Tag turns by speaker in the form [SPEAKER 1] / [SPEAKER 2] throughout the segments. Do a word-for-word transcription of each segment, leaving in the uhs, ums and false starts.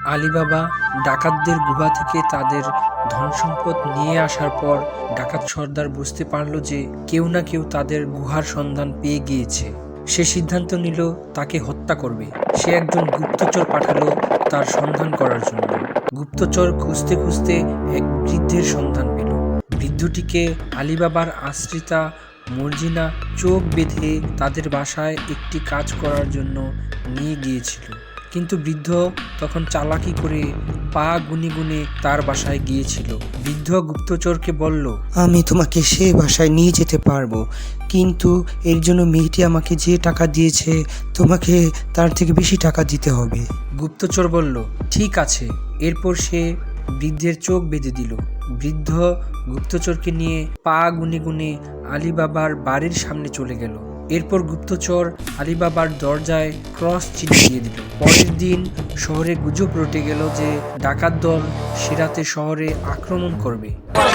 [SPEAKER 1] Alibaba ডাকাতদের গুহা থেকে তাদের ধনসম্পদ নিয়ে আসার পর ডাকাত সর্দার বুঝতে পারল যে কেউ না কেউ তাদের গুহার সন্ধান পেয়ে গিয়েছে। সে সিদ্ধান্ত নিল তাকে হত্যা করবে। সে একজন গুপ্তচর পাঠালো তার সন্ধান করার জন্য। গুপ্তচর খুঁজতে খুঁজতে এক বৃদ্ধের সন্ধান পেল। বৃদ্ধটিকে আলীবাবার আশ্রিতা মর্জিনা চোখ বেঁধে তাদের বাসায় একটি কাজ করার জন্য নিয়ে গিয়েছিল, কিন্তু বৃদ্ধ তখন চালাকি করে পা গুনে গুনে তার বাসায় গিয়েছিল। বৃদ্ধ গুপ্তচরকে বলল,
[SPEAKER 2] আমি তোমাকে সে বাসায় নিয়ে যেতে পারবো, কিন্তু এর জন্য মেয়েটি আমাকে যে টাকা দিয়েছে তোমাকে তার থেকে বেশি টাকা দিতে হবে।
[SPEAKER 1] গুপ্তচর বলল, ঠিক আছে। এরপর সে বৃদ্ধের চোখ বেঁধে দিল। বৃদ্ধ গুপ্তচরকে নিয়ে পা গুনে গুনে আলীবাবার বাড়ির সামনে চলে গেল। এরপর গুপ্তচর আলীবাবার দরজায় ক্রস চিহ্ন দিয়ে দিল। পরের দিন শহরে গুজব রটে গেল যে ডাকাত দল সিরাতে শহরে আক্রমণ করবে।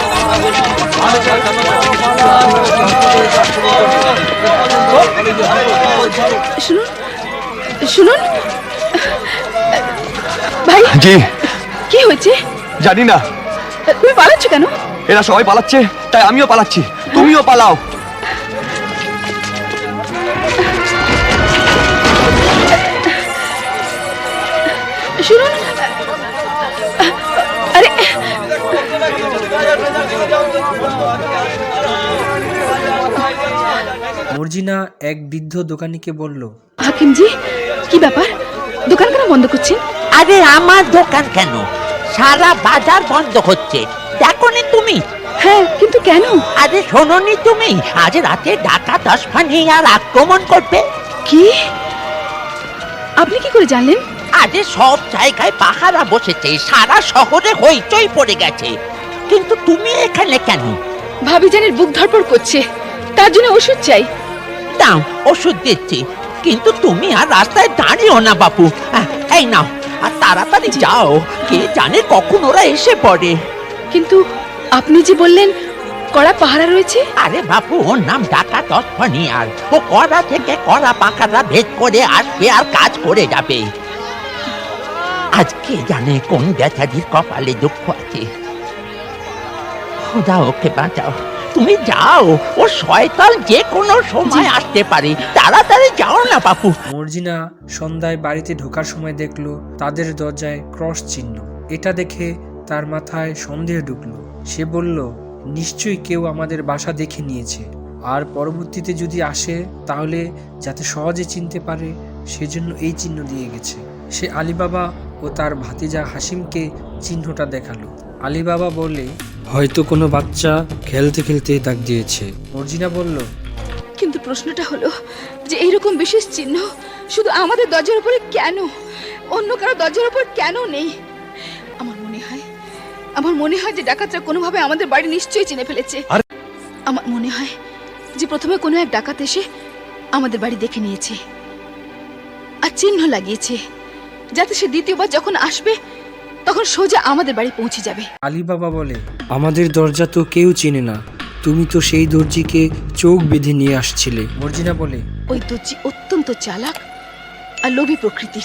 [SPEAKER 3] শুনুন শুনুন ভাই,
[SPEAKER 4] জি
[SPEAKER 3] কি হয়েছে?
[SPEAKER 4] জানি না,
[SPEAKER 3] তুমি পালাচ্ছ কেন?
[SPEAKER 4] এরা সবাই পালাচ্ছে, তাই আমিও পালাচ্ছি। তুমিও পালাও।
[SPEAKER 3] শুনুন, আরে
[SPEAKER 1] মর্জিনা এক বৃদ্ধ দোকানিকে বলল,
[SPEAKER 3] হাকিমজি, কি ব্যাপার? দোকান কেন বন্ধ করছেন?
[SPEAKER 5] আরে আমার দোকান কেন, সারা বাজার বন্ধ হচ্ছে, দেখোনি তুমি?
[SPEAKER 3] হ্যাঁ, কিন্তু কেন?
[SPEAKER 5] আরে শোনোনি তুমি, আজ রাতে ডাকাত আসফানি আর আক্রমণ করবে।
[SPEAKER 3] কি? আপনি কি করে জানলেন?
[SPEAKER 5] আরে সব জায়গায় পাহারা বসেছে, সারা শহরে হইচই পড়ে গেছে, কিন্তু তুমি এখানে কেন?
[SPEAKER 3] ভাবিজানের বুক ধড়ফড় করছে, তার জন্য ওষুধ চাই।
[SPEAKER 5] দাও, ওষুধ দিচ্ছি, কিন্তু তুমি আর রাস্তায় দাঁড়িও না বাপু। আহ, এই নাও, আর তাড়াতাড়ি যাও, কে জানে কখন ওরা এসে পড়ে।
[SPEAKER 3] কিন্তু আপনি যে বললেন কড়া পাহারা রয়েছে।
[SPEAKER 5] আরে বাপু, ওর নাম ডাকাত আসফানি, আর ও কড়া থেকে কড়া পাকারা ভেদ করে আসবে আর কাজ করে যাবে। আজকে জানে কোন বেচারির কপালে দুঃখ আছে। খোদা ওকে বাঁচাও, তুমি যাও, ও শয়তান যে কোনো সময় আসতে পারে, তাড়াতাড়ি যাও না বাপু।
[SPEAKER 1] মর্জিনা সন্ধ্যায় বাড়িতে ঢোকার সময় দেখলো তাদের দরজায় ক্রস চিহ্ন। এটা দেখে তার মাথায় সন্দেহ ঢুকলো। সে বলল, নিশ্চয়ই কেউ আমাদের বাসা দেখে নিয়েছে, আর পরবর্তীতে যদি আসে তাহলে যাতে সহজে চিনতে পারে সেজন্য এই চিহ্ন দিয়ে গেছে। সে আলীবাবা ও তার ভাতিজা হাসিমকে চিহ্নটা দেখালো। আলীবাবা বলে, হয়তো কোনো বাচ্চা খেলতে খেলতে দাগ দিয়েছে। মর্জিনা বলল,
[SPEAKER 3] কিন্তু প্রশ্নটা হলো যে এইরকম বিশেষ চিহ্ন শুধু আমাদের দরজার উপরে কেন, অন্য কারো দরজার উপর কেন নেই? আমার মনে হয় আমার মনে হয় যে ডাকাতরা কোনোভাবে আমাদের বাড়ি নিশ্চয়ই চিনে ফেলেছে। আমার মনে হয় যে প্রথমে কোনো এক ডাকাত এসে আমাদের বাড়ি দেখে নিয়েছে আর চিহ্ন লাগিয়েছে, যাতে সে দ্বিতীয়বার যখন আসবে তখন সোজা আমাদের বাড়ি পৌঁছে যাবে।
[SPEAKER 1] আলীবাবা বলে, আমাদের দরজা তো কেউ চেনে না, তুমি তো সেই দর্জিকে চোখ বেঁধে নিয়ে আসছিলে। মর্জিনা বলে,
[SPEAKER 3] ওই দর্জি অত্যন্ত চালাক আর লোভী প্রকৃতির।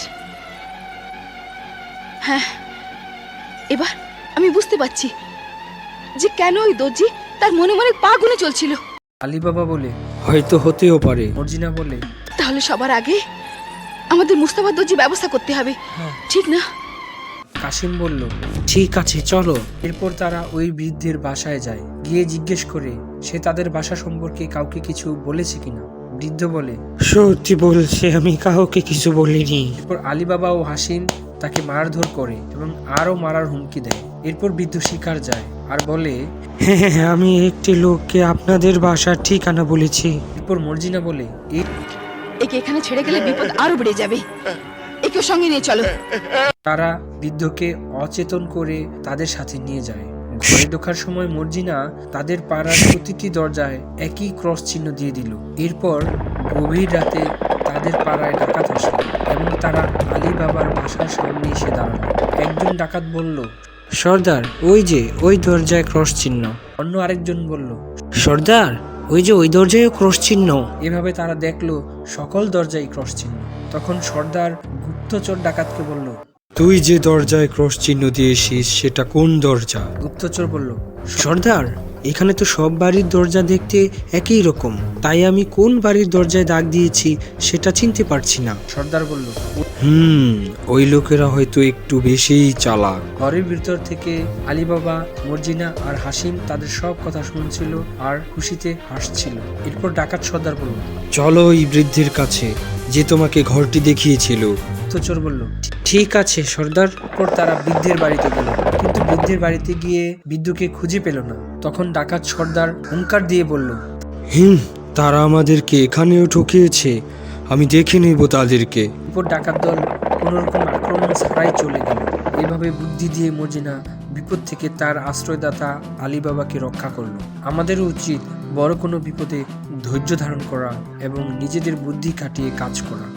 [SPEAKER 3] হ্যাঁ, এবার আমি বুঝতে পারছি যে কেন ওই দর্জি তার মনে মনে পা গুনে চলছিল।
[SPEAKER 1] আলীবাবা বলে, হয়তো হতেও পারে। মর্জিনা বলে,
[SPEAKER 3] তাহলে সবার আগে আমাদের মুস্তাফা দর্জি ব্যবস্থা করতে হবে, ঠিক না?
[SPEAKER 1] কাশিম বলল, ঠিক আছে, চলো। এরপর তারা ওই বৃদ্ধের বাসায় যায়। গিয়ে জিজ্ঞেস করে সে তাদের বাসা সম্পর্কে কাউকে কিছু বলেছে কিনা। বৃদ্ধ বলে,
[SPEAKER 2] সত্যি বলছে, আমি কাউকে কিছু বলিনি।
[SPEAKER 1] এরপর আলীবাবা ও হাসিম তাকে মারধর করে এবং আরো মারার হুমকি দেয়। এরপর বৃদ্ধ শিকার যায় আর বলে,
[SPEAKER 2] হ্যাঁ, আমি একটি লোককে আপনাদের বাসার ঠিকানা বলেছি।
[SPEAKER 1] এরপর মর্জিনা বলে,
[SPEAKER 3] একে এখানে ছেড়ে গেলে বিপদ আরো বেড়ে যাবে, একে সঙ্গে নিয়ে চলো।
[SPEAKER 1] তারা বৃদ্ধকে অচেতন করে তাদের সাথে নিয়ে যায়। ঘরে ঢোকার সময় মর্জিনা তাদের পাড়ার প্রতিটি দরজায় একই ক্রস চিহ্ন দিয়ে দিল। এরপর গভীর রাতে তাদের পাড়ায় ডাকাত আসলো এবং তারা আলীবাবার বাসার সামনে এসে দাঁড়ালো। একজন ডাকাত বলল, সর্দার, ওই যে ওই দরজায় ক্রস চিহ্ন। অন্য আরেকজন বলল, সর্দার, ওই যে ওই দরজায় ক্রস চিহ্ন। এভাবে তারা দেখলো সকল দরজায় ক্রস চিহ্ন। তখন সর্দার গুপ্তচর ডাকাতকে বলল,
[SPEAKER 2] তুই যে দরজায় ক্রস চিহ্ন দিয়েছিস সেটা কোন দরজা?
[SPEAKER 1] গুপ্তচর বলল,
[SPEAKER 2] সর্দার, এখানে তো সব বাড়ির দরজা দেখতে একই রকম, তাই আমি কোন বাড়ির দরজায় দাগ দিয়েছি সেটা চিনতে পারছি না।
[SPEAKER 1] সর্দার বলল।
[SPEAKER 2] হুম ওই লোকেরা হয়তো একটু বেশিই চালাক।
[SPEAKER 1] ঘরের ভিতর থেকে আলীবাবা, মর্জিনা আর হাসিম তাদের সব কথা শুনছিল আর খুশিতে হাসছিল। এরপর ডাকাত সর্দার বলল,
[SPEAKER 2] চলো ওই বৃদ্ধের কাছে যে তোমাকে ঘরটি দেখিয়েছিল।
[SPEAKER 1] গুপ্তচর বলল।
[SPEAKER 2] ঠিক আছে সর্দার।
[SPEAKER 1] এরপর তারা বৃদ্ধের বাড়িতে গেল, কিন্তু বৃদ্ধের বাড়িতে গিয়ে বৃদ্ধকে খুঁজে পেল না। তখন ডাকাত সর্দার হুঙ্কার দিয়ে বলল,
[SPEAKER 2] হুম তারা আমাদেরকে এখানেও ঠকিয়েছে, আমি দেখে নেব তাদেরকে।
[SPEAKER 1] এরপর ডাকাত দল কোনোরকম আক্রমণ ছাড়াই চলে গেল। এভাবে বুদ্ধি দিয়ে মর্জিনা বিপদ থেকে তার আশ্রয়দাতা আলীবাবাকে রক্ষা করলো। আমাদেরও উচিত বড় কোনো বিপদে ধৈর্য ধারণ করা এবং নিজেদের বুদ্ধি খাটিয়ে কাজ করা।